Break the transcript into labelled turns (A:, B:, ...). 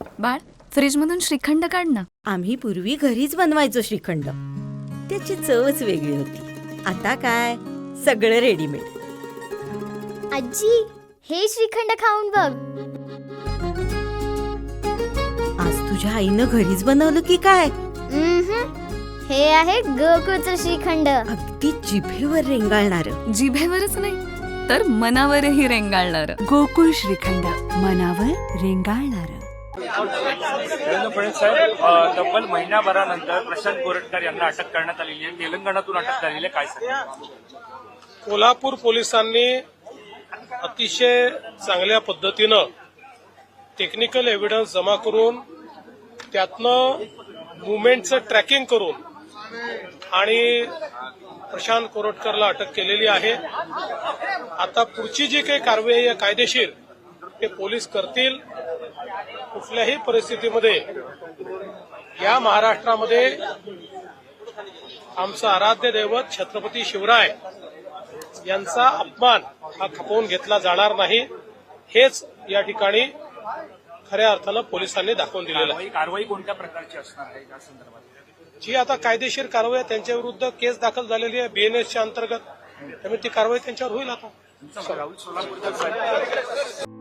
A: बाळ, फ्रीजमधून श्रीखंड काढ ना.
B: आम्ही पूर्वी घरीच बनवायचो श्रीखंड. त्याची चवच वेगळी होती. आता काय सगळं रेडीमेड.
C: आजी, हे श्रीखंड खाऊन बघ.
B: आज तुझ्या आईनं घरीच बनवलं की काय?
C: हे आहे गोकुळचं श्रीखंड.
B: अगदी जिभेवर रेंगाळणार.
A: जिभेवरच नाही तर मनावरही रेंगाळणार.
D: गोकुळ श्रीखंड, मनावर रेंगाळणार.
E: देवेंद्र फडणवीस साहेब, तब्बल महिन्याभरानंतर प्रशांत कोरटकर यांना अटक करण्यात आलेली आहे. तेलंगणातून अटक झालेली आहे. काय सांगा?
F: कोल्हापूर पोलिसांनी अतिशय चांगल्या पद्धतीनं टेक्निकल एव्हिडन्स जमा करून त्यातनं मुवमेंटचं ट्रॅकिंग करून आणि प्रशांत कोरटकरला अटक केलेली आहे. आता पुढची जी काही कारवाई आहे कायदेशीर ते पोलीस करतील. कुठल्याही परिस्थितीमध्ये या महाराष्ट्रामध्ये आमचं आराध्य दैवत छत्रपती शिवराय यांचा अपमान हा खपवून घेतला जाणार नाही. हेच या ठिकाणी खऱ्या अर्थानं पोलिसांनी दाखवून दिलेलं आहे.
E: कारवाई कोणत्या प्रकारची असणार आहे या संदर्भात?
F: जी आता कायदेशीर कारवाई आहे, त्यांच्या विरुद्ध केस दाखल झालेली आहे बीएनएसच्या अंतर्गत. त्यामुळे ती कारवाई त्यांच्यावर होईल. आता
E: राहुल सोलापूरकर साहेब